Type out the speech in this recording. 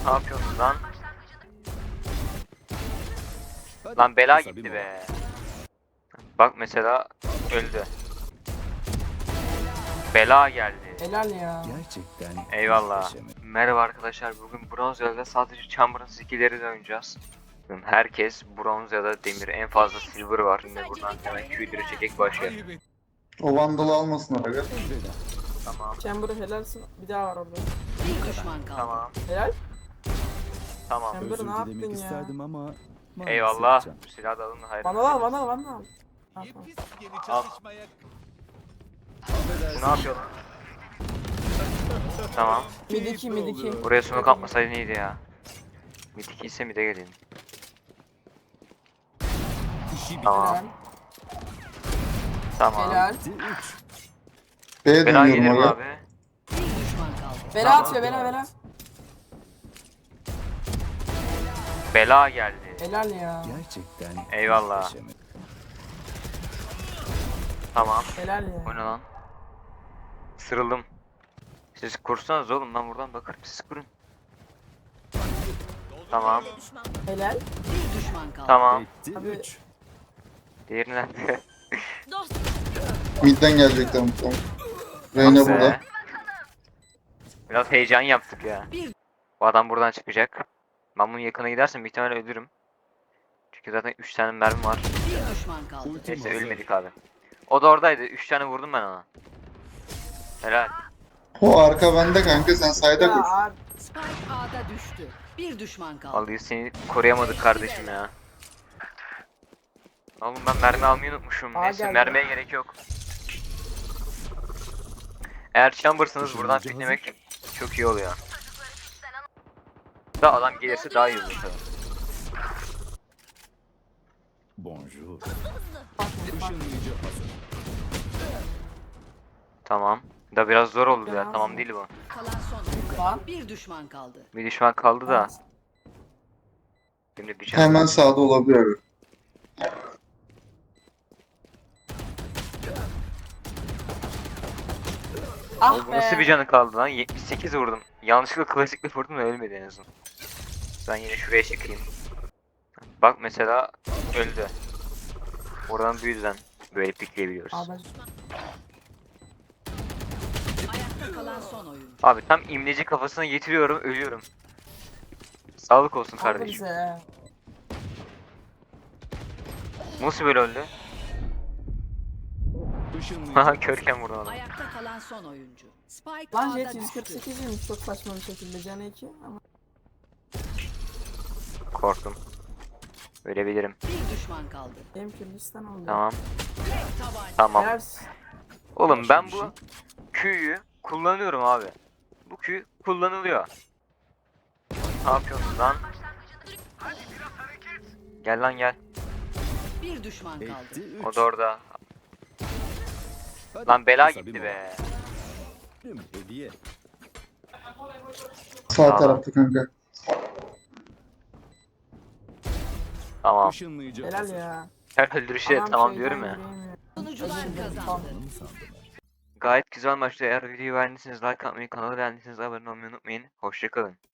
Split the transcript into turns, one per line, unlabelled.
Ne yapıyorsun lan? Lan bela gitti be. Bak mesela öldü. Bela geldi.
Helal ya.
Gerçekten
Eyvallah.
muhteşem.
Merhaba arkadaşlar. Bugün bronz ya da sadece Chamber'ın skill'leri oynayacağız. Herkes bronz ya da demir. En fazla silver var. Şimdi buradan hemen Q'leri çekek başlayalım.
O vandalı almasın aga.
Tamam.
Chamber'ı helalsin. Bir daha var orada.
Bir düşman kaldı.
Tamam.
Helal.
Tamam.
Chamber
Özür
ne yaptın
dilemek
ya?
isterdim ama maalesef
Eyvallah.
can.
Silah da alın. Hayır.
Bana al bana al bana al. Ha, tamam.
Al. Bu ne yapıyor? Tamam.
Mid 2 mid 2.
Buraya smoke atmasaydın iyiydi ya. Mid 2 ise mid'e gelin. Tamam.
Helal.
Tamam.
Helal.
Bitti, üç.
B'ye
Bela gelir
dönüyorum
mi
aga.
abi?
Bir düşman kaldı.
Bela atıyor bela bela.
Bela geldi.
Helal ya.
Gerçekten
Eyvallah.
muhteşem.
Tamam.
Helal
O
ya.
ne lan? Sırıldım. Siz kursanız oğlum, ben buradan bakarım, siz kurun. Tamam.
Helal.
Bir düşman kaldı.
Tamam.
Bitti,
Abi-
üç.
Diğeri nerede?
Mid'den gelecekler muhtemelen. Reyna
Ah be.
burada.
Biraz heyecan yaptık ya. Bu adam buradan çıkacak. Ben bunun yakına gidersem bir ihtimalle ölürüm. Çünkü zaten 3 tane mermi var.
Bir düşman kaldı.
Neyse ölmedik abi. O da oradaydı. 3 tane vurdum ben ona. Helal.
O arka bende kanka, sen sayda
Ya
koş.
abi.
Spike A'da düştü. Bir düşman kaldı.
Vallahi seni koruyamadık kardeşim ya. Oğlum ben mermi almayı unutmuşum.
Aa,
Neyse
geldi.
mermiye gerek yok. Eğer chamber'sınız buradan piklemek çok iyi oluyor. Da adam gelirse daha iyi olur tabii.
Bonjour.
Işınlayıcı
Tamam. Da biraz zor oldu ya.
Ya.
Tamam değil bu.
Kalan son.
Lan.
Bir düşman kaldı.
Bir düşman kaldı da. Şimdi bir can.
Hemen sağda olabilir aga.
Ah
Bu nasıl bir
be.
canı kaldı lan? 78 vurdum. Yanlışlıkla klasikle vurdum da ölmedi en azından. Ben yine şuraya çıkayım. Bak mesela öldü. Oradan bu yüzden böyle pikleyebiliyoruz.
Abi
Ayakta kalan son oyuncu.
Abi tam imleci kafasına getiriyorum, ölüyorum. Sağlık olsun
aldı
kardeşim.
bize.
Nasıl böyle öldü? Haha körken vurdum adam.
Ayakta kalan son oyuncu. Spike
Lan
A'da
Jet
düştü.
148'ymiş çok saçma bir şekilde canı 2 ama.
Korktum. Ölebilirim.
Bir düşman kaldı.
Benim Kürdistan oldu.
Tamam.
Tabanca.
Tamam.
Helal.
Oğlum ben bu Q'yu kullanıyorum abi. Bu Q kullanılıyor. Ne yapıyorsun lan? Gel lan gel.
Bir düşman kaldı.
Bitti, üç.
O da orada.
Hadi,
Lan bela
kısa bir
gitti
mola.
be.
Hediye.
Sağ
Tamam.
tarafta kanka.
Tamam.
Işınlayıcı
Helal
hazır.
ya.
Her öldürüşe
Adam
tamam
şeyden
diyorum ya.
giremiyor.
Sunucular kazandı.
Anı sandım.
Gayet güzel maçtı. Eğer videoyu beğendiyseniz like atmayı, kanalı beğendiyseniz abone olmayı unutmayın. Hoşçakalın.